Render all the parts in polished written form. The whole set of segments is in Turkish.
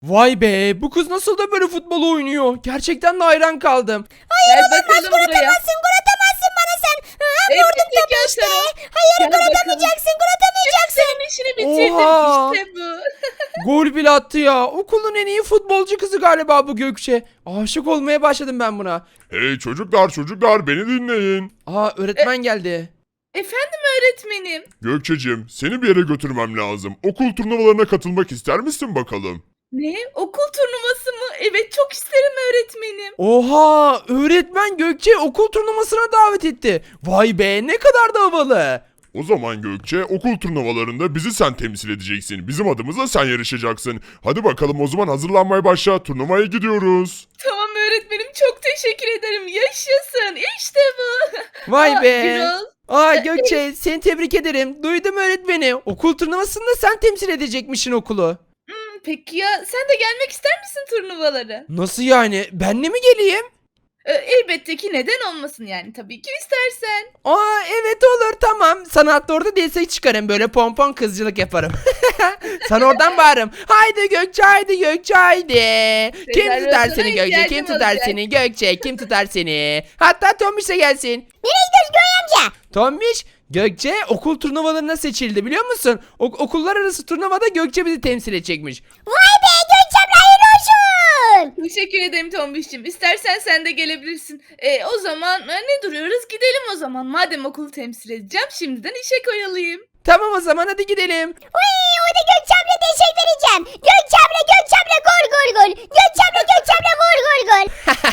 Vay be, bu kız nasıl da böyle futbol oynuyor. Gerçekten de hayran kaldım. Hayır Gel olamaz, bakalım gol buraya. atamazsın, gol atamazsın bana sen. Vurdum Elbette topu gel işte. sana. Hayır, Gel gol bakalım. atamayacaksın, gol atamayacaksın. Senin işini bitirdim. Oha. İşte bu. Gol bile attı ya. Okulun en iyi futbolcu kızı galiba bu Gökçe. Aşık olmaya başladım ben buna. Hey çocuklar beni dinleyin. Öğretmen geldi. Efendim öğretmenim. Gökçeciğim seni bir yere götürmem lazım. Okul turnuvalarına katılmak ister misin bakalım? Ne? Okul turnuvası mı? Evet çok isterim öğretmenim. Oha, öğretmen Gökçe okul turnuvasına davet etti. Vay be, ne kadar da havalı. O zaman Gökçe okul turnuvalarında bizi sen temsil edeceksin. Bizim adımıza sen yarışacaksın. Hadi bakalım o zaman hazırlanmaya başla. Turnuvaya gidiyoruz. Tamam öğretmenim çok teşekkür ederim. Yaşasın. İşte bu. Vay Aa, be. Gürol. Gökçe, seni tebrik ederim. Duydum öğretmeni. Okul turnuvasında sen temsil edecekmişsin okulu. Peki ya sen de gelmek ister misin turnuvalara? Nasıl yani? Benle mi geleyim? Elbette ki neden olmasın yani tabii ki istersen. Evet olur, tamam. Sana hatta orada destek çıkarım, böyle pompon kızcılık yaparım. Sana oradan bağırırım. Haydi Gökçe, haydi Gökçe, haydi. Kim tutar Rezervasyona seni Gökçe? Kim ihtiyacım tutar olacak. seni Gökçe? Kim tutar seni? Hatta Tombiş de gelsin. Nereye gidiyoruz Göğe amca? Tombiş, Gökçe okul turnuvalarına seçildi biliyor musun? Okullar arası turnuvada Gökçe bizi temsil edecekmiş. Vay be, Gökçem'le hayırlı olsun. Teşekkür ederim Tombiş'cim. İstersen sen de gelebilirsin. O zaman ne duruyoruz? Gidelim o zaman. Madem okulu temsil edeceğim şimdiden işe koyulayım. Tamam o zaman, hadi gidelim. Uy, orada Gökçem'le destek vereceğim. Gökçem'le gol. Gökçem'le gol.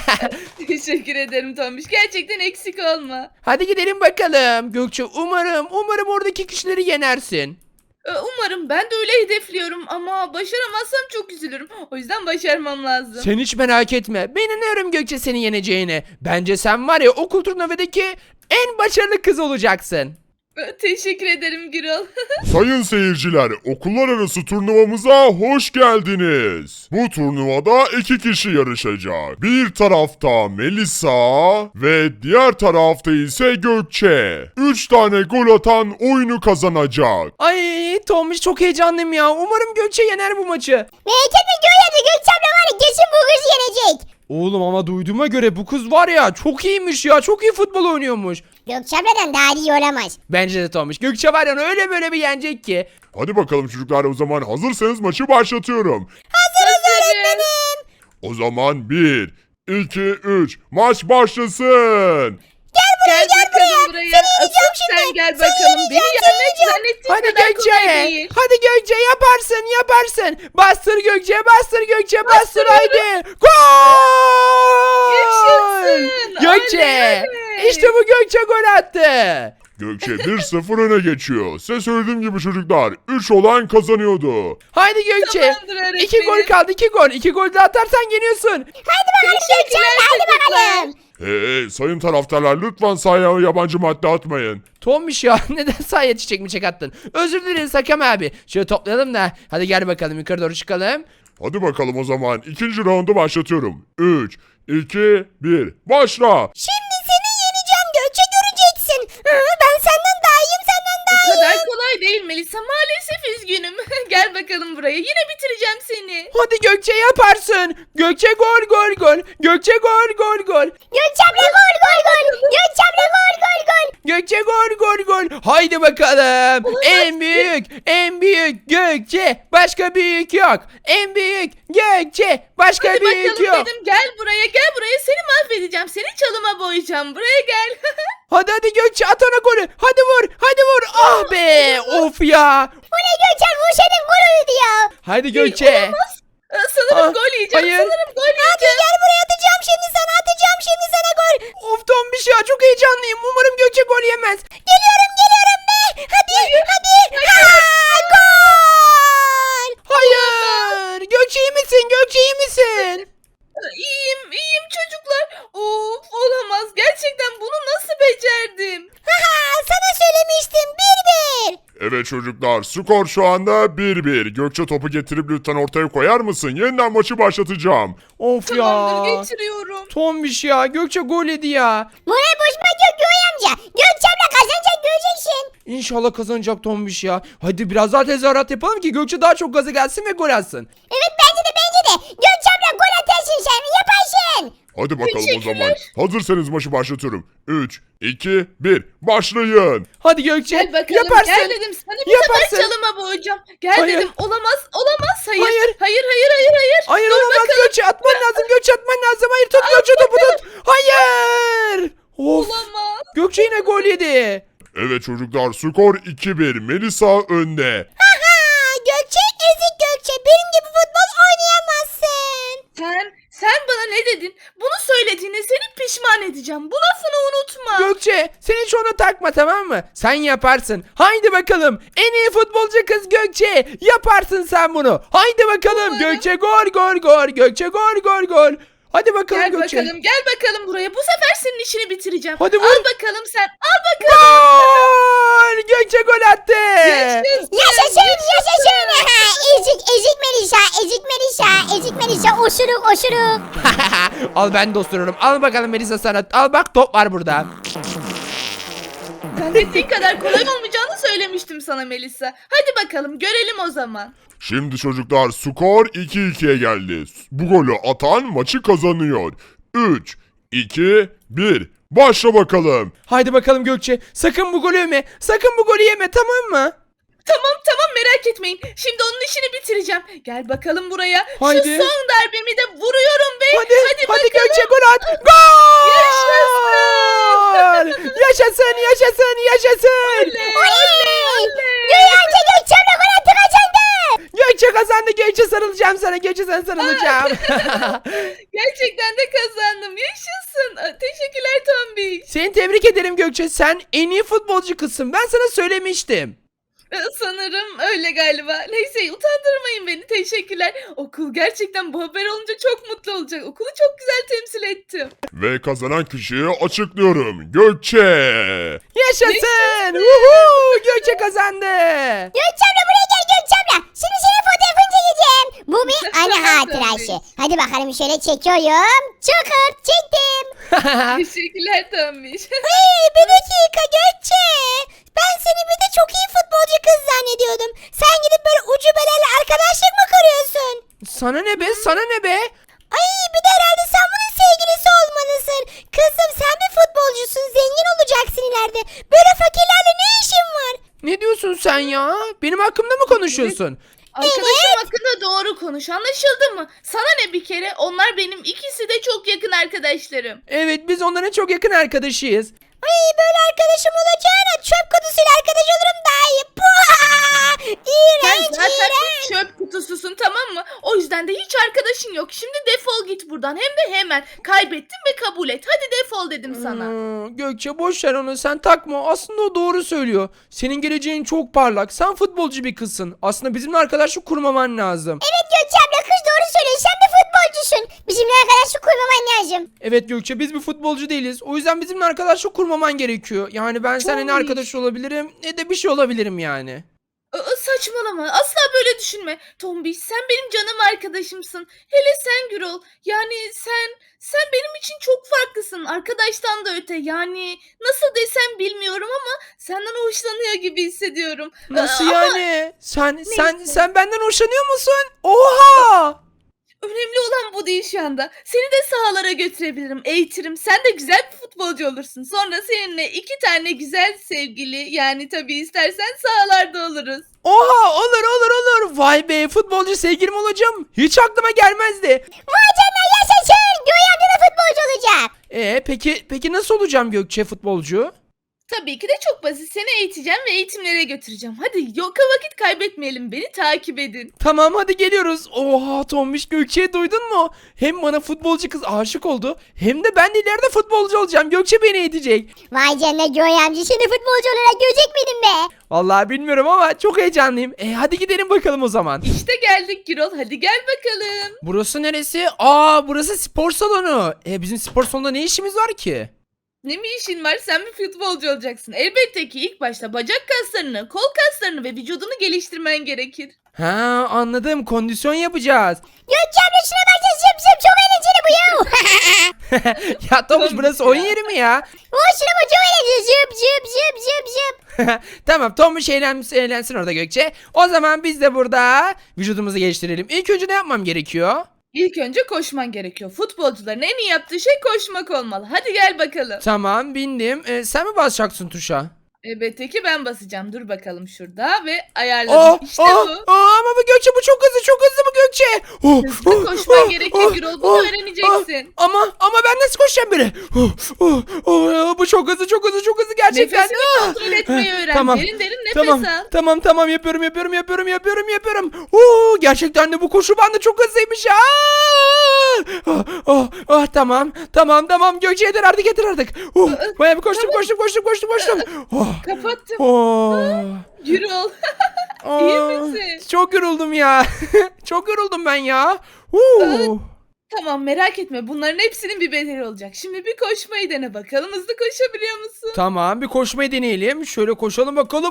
Teşekkür ederim Tombiş. Gerçekten eksik olma. Hadi gidelim bakalım. Gökçe, umarım oradaki kişileri yenersin. Umarım ben de öyle hedefliyorum ama başaramazsam çok üzülürüm. O yüzden başarmam lazım. Sen hiç merak etme. Ben inanıyorum Gökçe senin yeneceğine. Bence sen var ya okul turnuvadaki en başarılı kız olacaksın. Teşekkür ederim Gürol. Sayın seyirciler, okullar arası turnuvamıza hoş geldiniz. Bu turnuvada 2 kişi yarışacak. Bir tarafta Melisa ve diğer tarafta ise Gökçe. 3 tane gol atan oyunu kazanacak. Ay Tomiş, çok heyecanlıyım ya. Umarım Gökçe yener bu maçı. Merak etme Göğe amca, Gökçem'le var ya kesin bu kız yenecek. Oğlum ama duyduğuma göre bu kız var ya çok iyiymiş ya. Çok iyi futbol oynuyormuş. Gökçem'den daha iyi olamaz. Bence de Tomiş. Gökçe var ya öyle böyle bir yenecek ki. Hadi bakalım çocuklar, o zaman hazırsanız maçı başlatıyorum. Hazırım. O zaman 1, 2, 3 maç başlasın. Gel bakalım buraya. Asıl sen gel bakalım. Beni yenmek zannettiğin Hadi kadar Gökçe. kolay değil. Hadi Gökçe, yaparsın. Bastır Gökçe, bastır. Bastırıyorum. Haydi. Gol! Yaşasın. Gökçe. Oley, oley. İşte bu, Gökçe gol attı. Gökçe 1-0 öne geçiyor. Size söylediğim gibi çocuklar, 3 olan kazanıyordu. Haydi Gökçe. Tamamdır öğretmenim. 2 gol kaldı, 2 gol. 2 gol de atarsan yeniyorsun. Hadi bakalım Gökçem'le, hadi bakalım. Hey sayın taraftarlar, lütfen sahaya yabancı madde atmayın. Tommiş ya, neden sahaya çiçek mi attın? Özür dileriz Hakem abi. Şöyle toplayalım da. Hadi gel bakalım, yukarı doğru çıkalım. Hadi bakalım o zaman, ikinci raundu başlatıyorum. 3, 2, 1 başla. Şimdi seni yeneceğim Gökçe, göreceksin. Ben senden daha iyiyim, senden daha Bu iyiyim. kadar kolay değil Melisa. Maalesef üzgünüm. Gel bakalım buraya. Yine bitireceğim seni. Hadi Gökçe, yaparsın. Gökçe gol. Gökçe gol. Gökçem'le gol. Gökçem'le gol. Gökçe gol. Haydi bakalım. En büyük Gökçe. Başka büyük yok. En büyük Gökçe. Başka Hadi büyük bakalım yok. dedim. Gel buraya. Seni mahvedeceğim. Seni çalıma boyayacağım. Buraya gel. Hadi Gökçe, at ona golü. Hadi vur. Ah be. Of ya. Bu ne Gökçem, bu senin gol oldu ya. Hadi Gökçe. Olamaz. Sanırım Ah, gol yiyeceğim. hayır. Sanırım gol Hadi yiyeceğim. gel buraya, atacağım şimdi sana gol. Of Tombiş ya, çok heyecanlıyım. Umarım Gökçe gol yemez. Geliyorum be. Hadi. Gol. Hayır. Gökçe iyi misin? İyiyim çocuklar. Of olamaz. Gerçekten bunu nasıl becerdim? Sana söylemiştim, 1-1. Evet çocuklar, skor şu anda 1-1. Gökçe topu getirip lütfen ortaya koyar mısın? Yeniden maçı başlatacağım. Of Tamamdır ya. geçiriyorum. Tombiş ya, Gökçe gol yedi ya. Moral bozmak yok Göğe amca. Gökçem'le kazanacak, göreceksin. İnşallah kazanacak Tombiş ya. Hadi biraz daha tezahürat yapalım ki Gökçe daha çok gaza gelsin ve gol atsın. Evet, bence de. Hadi bakalım o Teşekkürler. zaman. Hazırsanız maçı başlatıyorum. 3, 2, 1 başlayın. Hadi Gökçe Gel bakalım. yaparsın. Gel dedim sana bir Yaparsın. sefer çalıma boğacağım. Gel Hayır. dedim. Olamaz. Olamaz. Hayır. Hayır. Hayır. Hayır. Hayır. Hayır. Hayır Dur olamaz bakalım. Gökçe, atman lazım Gökçe, atman lazım. Hayır, tut Gökçe, topu tut. Hayır. Of. Olamaz. Gökçe yine gol yedi. Evet çocuklar, skor 2-1. Melisa önde. Gökçe ezik Gökçe. Benim gibi futbol oynayamazsın. Sen bana ne dedin? Bunu söylediğine seni pişman edeceğim. Bu lafını unutma. Gökçe sen hiç onu takma, tamam mı? Sen yaparsın. Haydi bakalım. En iyi futbolcu kız Gökçe. Yaparsın sen bunu. Haydi bakalım. Umarım. Gökçe gol gol gol. Gökçe gol gol gol. Hadi bakalım Gel Gökçe. bakalım. Gel bakalım buraya. Bu sefer senin işini bitireceğim. Hadi vur. Al bakalım sen. Al bakalım. Gol! Gökçe gol attı. Yaşasın. Yaşasın yaşasın. Ezik Melisa. Ezik Melisa. Ezik Melisa. Osuruk. Al, ben de osururum. Al bakalım Melisa sana. Al bak, top var burada. Zannettiğin kadar kolay olmayacağını söylemiştim sana Melisa. Hadi bakalım görelim o zaman. Şimdi çocuklar, skor 2-2'ye geldi. Bu golü atan maçı kazanıyor. 3, 2, 1 başla bakalım. Haydi bakalım Gökçe. Sakın bu golü yeme. Sakın bu golü yeme, tamam mı? Tamam merak etmeyin. Şimdi onun işini bitireceğim. Gel bakalım buraya. Haydi. Şu son darbemi de vuruyorum be. Hadi bakalım. Gökçe, gol at. Gol! Yaşasın. Yaşasın. Gökçe Gökçem'le gol attı kazandı. Gökçe kazandı. Gökçe, sarılacağım sana. Gökçe, sana sarılacağım. Gerçekten de kazandım. Yaşasın. Teşekkürler Tombiş. Seni tebrik ederim Gökçe. Sen en iyi futbolcu kızsın. Ben sana söylemiştim. Sanırım öyle galiba. Neyse utandırmayın beni. Teşekkürler. Okul gerçekten bu haber olunca çok mutlu olacak. Okulu çok güzel temsil ettim. Ve kazanan kişiyi açıklıyorum. Gökçe. Yaşasın. Uhu, Gökçe kazandı. Gökçem'le buraya gel Gökçem'le. Şimdi senin fotoğrafını çekeceğim. Bu bir anı hatırası. Hadi bakalım şöyle çekiyorum. Çıkır çektim. Teşekkürler Tombiş. Hey bir dakika Gökçe. Ben seni bir de çok iyi futbolcu kız zannediyordum. Sen gidip böyle ucubelerle arkadaşlık mı kuruyorsun? Sana ne be? Sana ne be? Ay bir de herhalde sen bunun sevgilisi olmalısın. Kızım sen bir futbolcusun. Zengin olacaksın ileride. Böyle fakirlerle ne işin var? Ne diyorsun sen ya? Benim hakkımda mı konuşuyorsun? Arkadaşım hakkında doğru konuş. Anlaşıldı mı? Sana ne bir kere? Onlar benim ikisi de çok yakın arkadaşlarım. Evet, biz onların çok yakın arkadaşıyız. Ay böyle arkadaşım olacağına çöp kutusuyla arkadaş olurum daha iyi. Puh! Sen İğrenç zaten iğrenç. çöp kutususun tamam mı? O yüzden de hiç arkadaşın yok. Şimdi defol git buradan. Hem de hemen. Kaybettin ve kabul et. Hadi defol dedim sana. Gökçe boş ver onu, sen takma. Aslında o doğru söylüyor. Senin geleceğin çok parlak. Sen futbolcu bir kızsın. Aslında bizimle arkadaşlık kurmaman lazım. Evet Gökçem'le kız doğru söylüyor. Sen bir futbolcusun. Bizimle arkadaşlık kurmaman lazım. Evet Gökçe, biz bir futbolcu değiliz. O yüzden bizimle arkadaşlık kurmaman gerekiyor. Yani ben seninle ne Çok iyi. arkadaş olabilirim ne de bir şey olabilirim yani. Saçmalama. Asla böyle düşünme. Tombiş sen benim canım arkadaşımsın. Hele sen Gürol. Yani sen benim için çok farklısın. Arkadaştan da öte. Yani nasıl desem bilmiyorum ama senden hoşlanıyor gibi hissediyorum. Nasıl Ama yani? Sen Neyse. benden hoşlanıyor musun? Oha! önemli olan bu değil şu anda. Seni de sahalara götürebilirim, eğitirim. Sen de güzel bir futbolcu olursun. Sonra seninle 2 tane güzel sevgili, yani tabii istersen sahalarda oluruz. Oha, olur. Vay be, futbolcu sevgilim olacağım. Hiç aklıma gelmezdi. Vay canına yaşasın. Göğe amca da futbolcu olacak. Peki nasıl olacağım Gökçe futbolcu? Tabii ki de çok basit. Seni eğiteceğim ve eğitimlere götüreceğim. Hadi yoka vakit kaybetmeyelim. Beni takip edin. Tamam, hadi geliyoruz. Oha Tombiş, Gökçe'yi duydun mu? Hem bana futbolcu kız aşık oldu, hem de ben de ileride futbolcu olacağım. Gökçe beni eğitecek. Vay canına Göğe amca seni futbolcu olarak görecek miydim be? Vallahi bilmiyorum ama çok heyecanlıyım. Hadi gidelim bakalım o zaman. İşte geldik Gürol. Hadi gel bakalım. Burası neresi? Burası spor salonu. Bizim spor salonunda ne işimiz var ki? Ne mi işin var? Sen bir futbolcu olacaksın. Elbette ki ilk başta bacak kaslarını, kol kaslarını ve vücudunu geliştirmen gerekir. Ha, anladım. Kondisyon yapacağız. Gökçe amca şuna bak ya zıp zıp çok eğlenceli bu ya. Ya Tomuş, burası oyun yeri mi ya? Şuna bak çok eğlenceli zıp. Tamam, Tomuş eğlensin orada Gökçe. O zaman biz de burada vücudumuzu geliştirelim. İlk önce ne yapmam gerekiyor? İlk önce koşman gerekiyor. Futbolcuların en iyi yaptığı şey koşmak olmalı. Hadi gel bakalım. Tamam bindim. Sen mi basacaksın tuşa? Elbette ki ben basacağım. Dur bakalım şurada ve Oh, ayarladım. İşte bu. ama bu Gökçe bu çok hızlı bu Gökçe. Hızlı koşman gerekiyor Gürol. Bunu öğreneceksin. Ama ben nasıl koşacağım böyle? Bu çok hızlı gerçekten. Nefesini kontrol etmeyi öğren. Tamam. Derin derin nefes al. Tamam yapıyorum. Gerçekten de bu koşu bandı çok hızlıymış ya. Tamam Gökçe yeter artık. Bayağı bir koştum. Kapattım. Oh. Gürol. Aa, İyi misin? Çok yoruldum ya. Çok yoruldum ben ya. Tamam merak etme. Bunların hepsinin bir bedeli olacak. Şimdi bir koşmayı dene bakalım. Hızlı koşabiliyor musun? Tamam bir koşmayı deneyelim. Şöyle koşalım bakalım.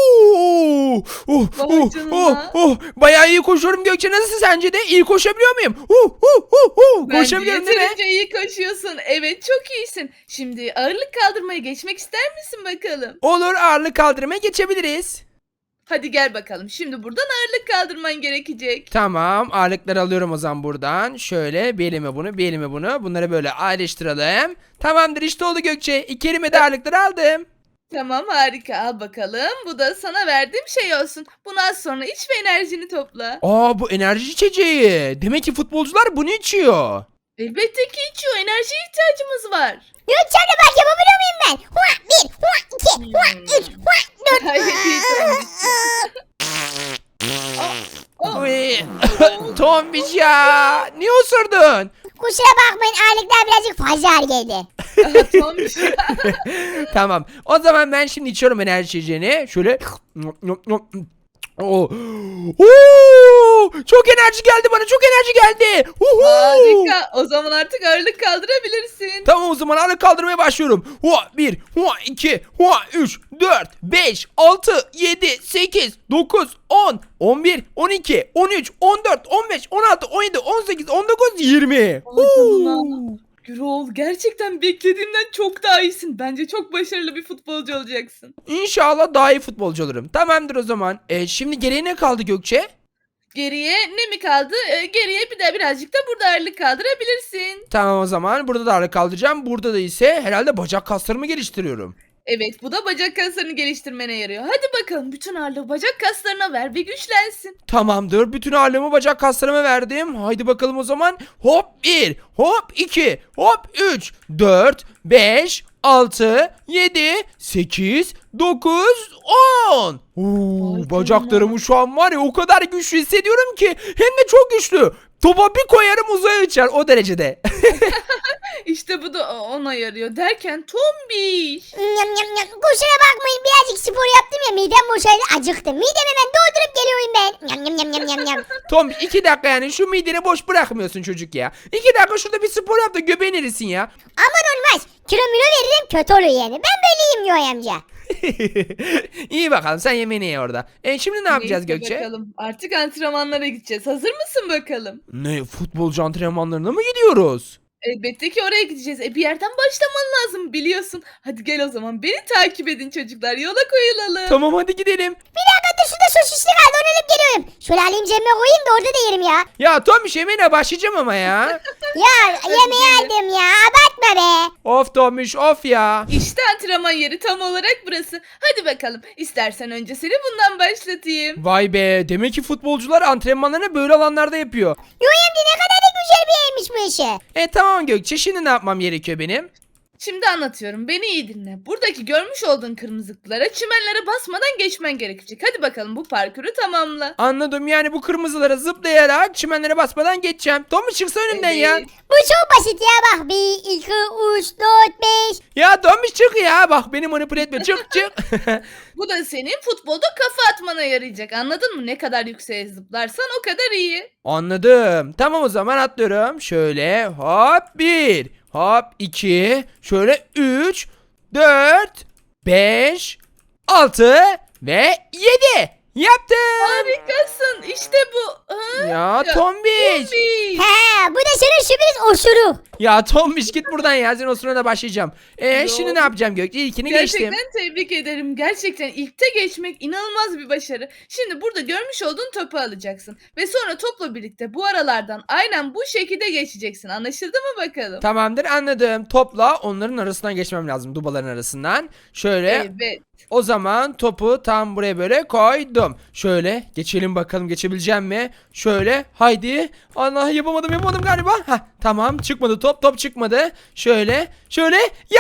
Vay canına. Bayağı iyi koşuyorum Gökçe. Nasıl sence de? İyi koşabiliyor muyum? Bence Koşabiliyorum değil mi? yeterince iyi koşuyorsun. Evet çok iyisin. Şimdi ağırlık kaldırmaya geçmek ister misin bakalım? Olur ağırlık kaldırmaya geçebiliriz. Hadi gel bakalım. Şimdi buradan ağırlık kaldırman gerekecek. Tamam ağırlıkları alıyorum o zaman buradan. Şöyle bir elime bunu. Bunları böyle ayrıştıralım. Tamamdır işte oldu Gökçe. 2 elime de ağırlıkları aldım. Tamam harika al bakalım. Bu da sana verdiğim şey olsun. Bunu az sonra iç ve enerjini topla. Bu enerji içeceği. Demek ki futbolcular bunu içiyor. Elbette ki içiyor. Enerjiye ihtiyacımız var. Gökçem'le bak yapabiliyor muyum ben? Hua 1, hua 2, hua 3, hua 4. Gayet iyi Oh, Uy. Tombiş ya. Niye osurdun? Kusura bakmayın ağırlıklar birazcık fazla ağır geldi. Tombiş. Tamam. O zaman ben şimdi içiyorum enerji içeceğini. Şöyle. Çok enerji geldi bana. Çok enerji geldi. Harika. O zaman artık ağırlık kaldırabilirsin. Tamam o zaman ağırlık kaldırmaya başlıyorum. 1, 2, 3, 4, 5, 6, 7, 8, 9, 10, 11, 12, 13, 14, 15, 16, 17, 18, 19, 20. Vay canına. Gürol gerçekten beklediğimden çok daha iyisin. Bence çok başarılı bir futbolcu olacaksın. İnşallah daha iyi futbolcu olurum. Tamamdır o zaman. Şimdi geriye ne kaldı Gökçe? Geriye ne mi kaldı? Geriye bir de birazcık da burada ağırlık kaldırabilirsin. Tamam o zaman burada da ağırlık kaldıracağım. Burada da ise herhalde bacak kaslarımı geliştiriyorum. Evet bu da bacak kaslarını geliştirmene yarıyor. Hadi bakalım bütün ağırlığı bacak kaslarına ver ve güçlensin. Tamamdır. Bütün ağırlığımı bacak kaslarıma verdim. Haydi bakalım o zaman. Hop 1, hop 2, hop 3, 4, 5, 6, 7, 8, 9, 10. Bacaklarımı şu an var ya o kadar güçlü hissediyorum ki. Hem de çok güçlü. Topa bir koyarım uzaya uçar o derecede. İşte bu da ona yarıyor derken tombiş. Kusura bakmayın birazcık spor yaptım ya midem boşaldı acıktım. Midemi hemen doldurup geliyorum ben. Tom 2 dakika yani şu mideni boş bırakmıyorsun çocuk ya. 2 dakika şurada bir spor yap da göbeğin erisin ya. Aman olmaz. Kilo veririm kötü olur yani. Ben böyleyim Yoy amca. İyi bakalım sen yemeğini ye orada. Şimdi ne yapacağız Neyse Gökçe? bakalım. Artık antrenmanlara gideceğiz. Hazır mısın bakalım? Ne futbolcu antrenmanlarına mı gidiyoruz? Elbette ki oraya gideceğiz. Bir yerden başlaman lazım biliyorsun. Hadi gel o zaman beni takip edin çocuklar. Yola koyulalım. Tamam hadi gidelim. Bir dakika dur şurada sosisli kaldı onu alıp geliyorum. Şöyle alayım cebime koyayım da orada da yerim ya. Ya Tomiş yemeğine başlayacağım ama ya. Ya yemeği aldım ya abartma be. Of Tomiş of ya. İşte antrenman yeri tam olarak burası. Hadi bakalım. İstersen önce seni bundan başlatayım. Vay be demek ki futbolcular antrenmanlarını böyle alanlarda yapıyor. Yoy amca ne kadar da güzel bir yermiş bu işi. Tamam Gökçe şimdi ne yapmam gerekiyor benim? Şimdi anlatıyorum. Beni iyi dinle. Buradaki görmüş olduğun kırmızılıklara çimenlere basmadan geçmen gerekecek. Hadi bakalım bu parkuru tamamla. Anladım yani bu kırmızılara zıplayarak çimenlere basmadan geçeceğim. Tomiş çıksa önümden ya. Evet. Bu çok basit ya bak 1, 2, 3, 4, 5. Ya Tomiş çık ya bak beni manipüle etme çık. Bu da senin futbolda kafa atmana yarayacak. Anladın mı? Ne kadar yükseğe zıplarsan o kadar iyi. Anladım. Tamam o zaman atlıyorum. Şöyle hop 1, hop 2, şöyle 3, 4, 5, 6 ve 7. Yaptım. Harikasın. İşte bu. Ya Tombiş. Tombiş. He bu da senin sürpriz oşuru. Ya Tombiş git buradan ya. Sen o sırada başlayacağım. Şimdi Yok. ne yapacağım Gökçe? İlkini geçtim. Gerçekten tebrik ederim. Gerçekten ilkte geçmek inanılmaz bir başarı. Şimdi burada görmüş olduğun topu alacaksın. Ve sonra topla birlikte bu aralardan aynen bu şekilde geçeceksin. Anlaşıldı mı bakalım? Tamamdır, anladım. Topla onların arasından geçmem lazım. Dubaların arasından. Şöyle. Evet. O zaman topu tam buraya böyle koydum. Şöyle geçelim bakalım, geçebileceğim mi? Şöyle haydi. Allah, yapamadım galiba. Tamam, çıkmadı top çıkmadı. Şöyle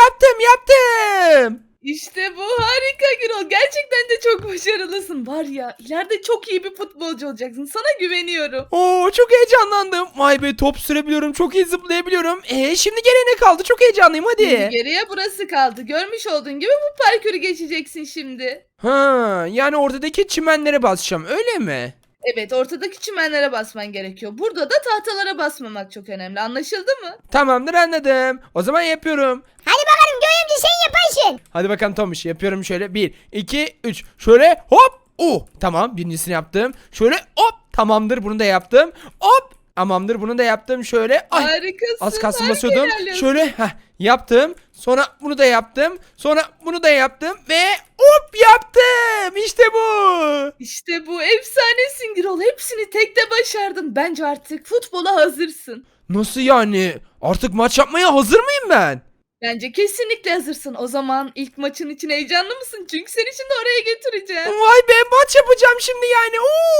yaptım. İşte bu harika Gürol. Gerçekten de çok başarılısın. Var ya ileride çok iyi bir futbolcu olacaksın. Sana güveniyorum. Oo, çok heyecanlandım. Vay be, top sürebiliyorum, çok iyi zıplayabiliyorum. Şimdi geriye ne kaldı? Çok heyecanlıyım, Şimdi hadi. geriye burası kaldı. Görmüş olduğun gibi bu parkuru geçeceksin şimdi. Yani ortadaki çimenlere basacağım, öyle mi? Evet, ortadaki çimenlere basman gerekiyor. Burada da tahtalara basmamak çok önemli. Anlaşıldı mı? Tamamdır, anladım. O zaman yapıyorum. Hadi bakalım Göğe amca sen yaparsın. Hadi bakalım Tomuş, yapıyorum şöyle. 1, 2, 3. Şöyle hop. Tamam, birincisini yaptım. Şöyle hop. Tamamdır, bunu da yaptım. Hop. Tamamdır, bunu da yaptım. Şöyle. Ay. Harikasın. Az kalsın harika basıyordum. ilerliyorsun. Şöyle yaptım. Sonra bunu da yaptım. Sonra bunu da yaptım. Ve hop yaptım. İşte bu. İşte bu efsanesin Gürol. Hepsini tekte başardın. Bence artık futbola hazırsın. Nasıl yani? Artık maç yapmaya hazır mıyım ben? Bence kesinlikle hazırsın. O zaman ilk maçın için heyecanlı mısın? Çünkü seni şimdi oraya götüreceğim. Vay be, maç yapacağım şimdi yani.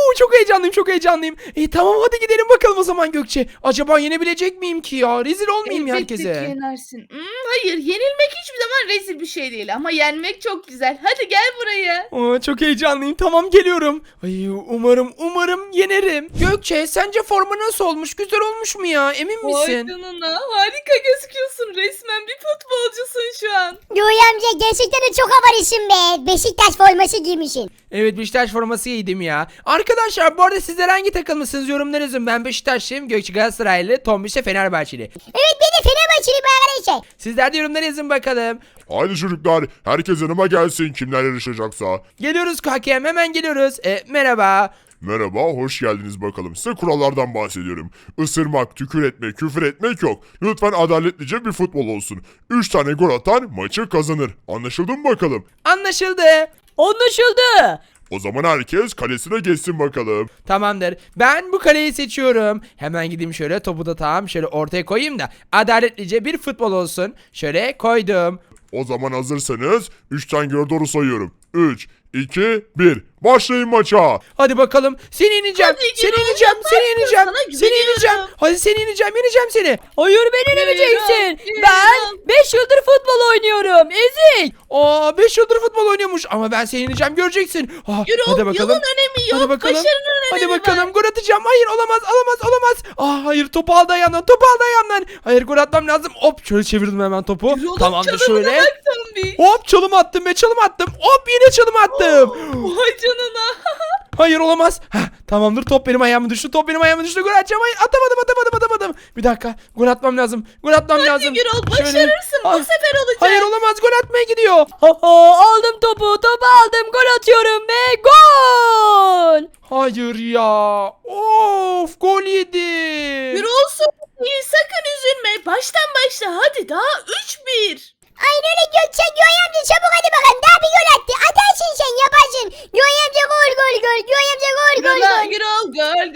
Çok heyecanlıyım. Tamam, hadi gidelim bakalım o zaman Gökçe. Acaba yenebilecek miyim ki ya? Rezil olmayayım Elbette herkese. ki yenersin. Hayır, yenilmek hiçbir zaman rezil bir şey değil. Ama yenmek çok güzel. Hadi gel buraya. Çok heyecanlıyım. Tamam, geliyorum. Ay, umarım yenerim. Gökçe, sence forma nasıl olmuş? Güzel olmuş mu ya? Emin Vay misin? canına, harika gözüküyorsun. Resmen bir futbolcusun şu an. Göğe amca gerçekten de çok havalısın be. Beşiktaş forması giymişsin. Evet, Beşiktaş forması giydim ya. Arkadaşlar, bu arada sizler hangi takımlısınız? Yorumlara yazın. Ben Beşiktaşlıyım. Gökçe Galatasaraylı. Tombiş de Fenerbahçeli. Evet ben de Fenerbahçeli bir arkadaşlar. Sizler de yorumlara yazın bakalım. Haydi çocuklar, herkes yanıma gelsin kimler yarışacaksa. Geliyoruz hakem, hemen geliyoruz. Merhaba. Merhaba, hoş geldiniz bakalım. Size kurallardan bahsediyorum. Isırmak, tükür etmek, küfür etmek yok. Lütfen adaletlice bir futbol olsun. 3 tane gol atan maçı kazanır. Anlaşıldı mı bakalım? Anlaşıldı. Anlaşıldı. O zaman herkes kalesine geçsin bakalım. Tamamdır. Ben bu kaleyi seçiyorum. Hemen gideyim şöyle, topu da tam şöyle ortaya koyayım da adaletlice bir futbol olsun. Şöyle koydum. O zaman hazırsanız 3'ten göre doğru sayıyorum. 3, 2, 1. Başlayın maça. Hadi bakalım. Seni yeneceğim. Hadi Seni Gürol, yeneceğim. Seni yaparsın. yeneceğim. Sana Seni güveniyorum. yeneceğim. Hadi seni yeneceğim seni. Hayır beni yeneceksin. Gürol. Ben 5 yıldır futbol oynuyorum. Ezik. 5 yıldır futbol oynuyormuş ama ben seni yeneceğim, göreceksin. Gürol, Hadi bakalım. yolun önemi yok. Hadi bakalım. Başarının önemi Hadi bakalım, var. gol atacağım. Hayır, olamaz. Hayır, topu aldı ayağımdan. Hayır, gol atmam lazım. Hop, şöyle çevirdim hemen topu. Gürol'un Tamamdır, çalımına şöyle. bak Tombi. Hop, çalım attım. Hop, yine çalım attım. Vay canına. Hayır, olamaz. Tamamdır, top benim ayağıma düştü. Gol atacağım. Hayır, atamadım. Bir dakika, gol atmam lazım. Hadi Gürol, başarırsın. Bu sefer olacak. Hayır, olamaz, gol atmaya gidiyor. Aldım topu aldım, gol atıyorum ve gol. Hayır ya. Of, gol yedi. Gürol değil, sakın üzülme. Baştan başla. Hadi daha 3-1. Aynen öyle Gökçe. Göğe amca çabuk hadi bakalım. Daha bir gol attı. Atarsın sen yaparsın. Göğe amca gol. Göğe amca gol. Gürol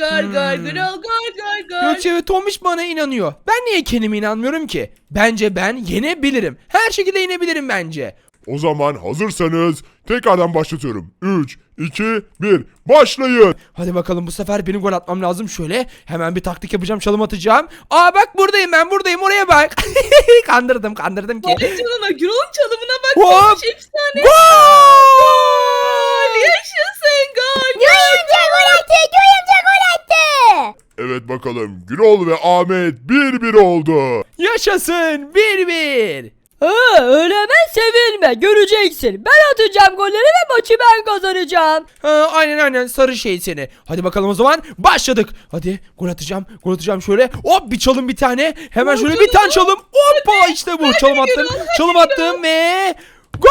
gol. Gökçe ve Tomiş bana inanıyor. Ben niye kendime inanmıyorum ki? Bence ben yenebilirim. Her şekilde yenebilirim bence. O zaman hazırsanız tekrardan başlatıyorum. 3, 2, 1. Başlayın. Hadi bakalım, bu sefer benim gol atmam lazım. Şöyle hemen bir taktik yapacağım, çalım atacağım. Bak buradayım, oraya bak. Kandırdım ki. Vay canına, Gürol'un çalımına bak. Hop. Tombiş efsane. Gol! Yaşasın gol. Göğe amca gol attı. Evet bakalım, Gürol ve Ahmet 1-1 oldu. Yaşasın, 1-1. Öyle hemen sevilme, göreceksin. Ben atacağım golleri ve maçı ben kazanacağım. Aynen, sarı şey seni. Hadi bakalım o zaman, başladık. Hadi gol atacağım şöyle. Hop, bir çalım, bir tane. Hemen şöyle bir tane çalım. Hoppa, işte bu. Çalım attım. Çalım attım ve gol!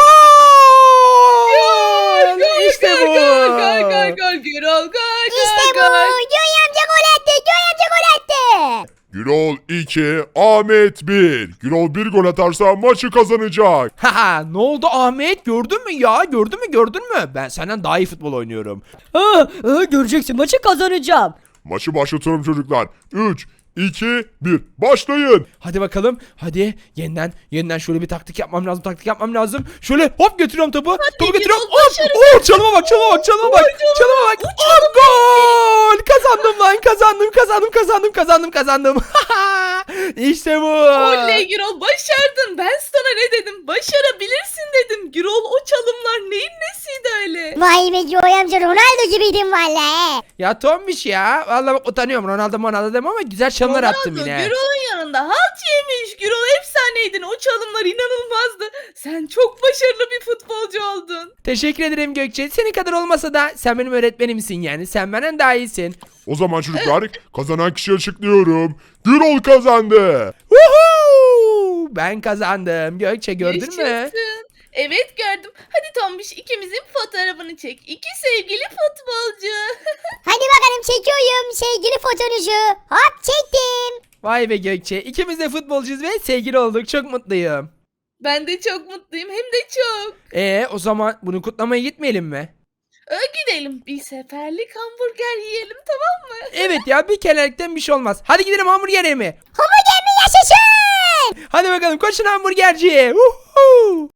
İşte bu. Gol. Gürol gol. İşte bu. Göğe amca gol attı. Gürol 2, Ahmet 1. Gürol 1 gol atarsa maçı kazanacak. Haha, ne oldu Ahmet? Gördün mü ya? Gördün mü? Ben senden daha iyi futbol oynuyorum. Göreceksin, maçı kazanacağım. Maçı başlatıyorum çocuklar. 3, 2, 1. Başlayın. Hadi bakalım. Hadi yeniden şöyle bir taktik yapmam lazım. Şöyle hop götürüyorum topu. Topu götürüyorum. Gürol, başarı. Hop! Çalıma bak. Hop, gol! Kazandım lan. Kazandım. İşte bu. Oley Gürol, başardın. Ben sana ne dedim? Başarabilirsin dedim. Gürol, o çalımlar neyin nesiydi öyle? Vay be Joy amca, Ronaldo gibiydin valla. Ya Tombiş ya. Vallahi bak utanıyorum. Ronaldo demem ama güzel çalımlar attım Ronaldo, yine. Gürol'un yanında halt yemiş. Gürol efsaneydin. O çalımlar inanılmazdı. Sen çok başarılı bir futbolcu oldun. Teşekkür ederim Gökçe. Senin kadar olmasa da sen benim öğretmenimsin yani. Sen benden daha iyisin. O zaman çocuklar kazanan kişiyi açıklıyorum. Gürol kazandı. Woohoo! Ben kazandım. Gökçe gördün mü? Yaşasın. Evet gördüm. Hadi Tombiş, ikimizin fotoğrafını çek. İki sevgili futbolcu. Hadi bakalım, çekiyorum sevgili fotoğrafınızı. Hop, çektim. Vay be Gökçe. İkimiz de futbolcuyuz ve sevgili olduk. Çok mutluyum. Ben de çok mutluyum. Hem de çok. O zaman bunu kutlamaya gitmeyelim mi? Gidelim. Bir seferlik hamburger yiyelim, tamam mı? Evet ya, bir kerelikten bir şey olmaz. Hadi gidelim hamburger yemeye. Hamburger mi yaşasın? Hadi bakalım, koşun hamburgerciye. Woohoo!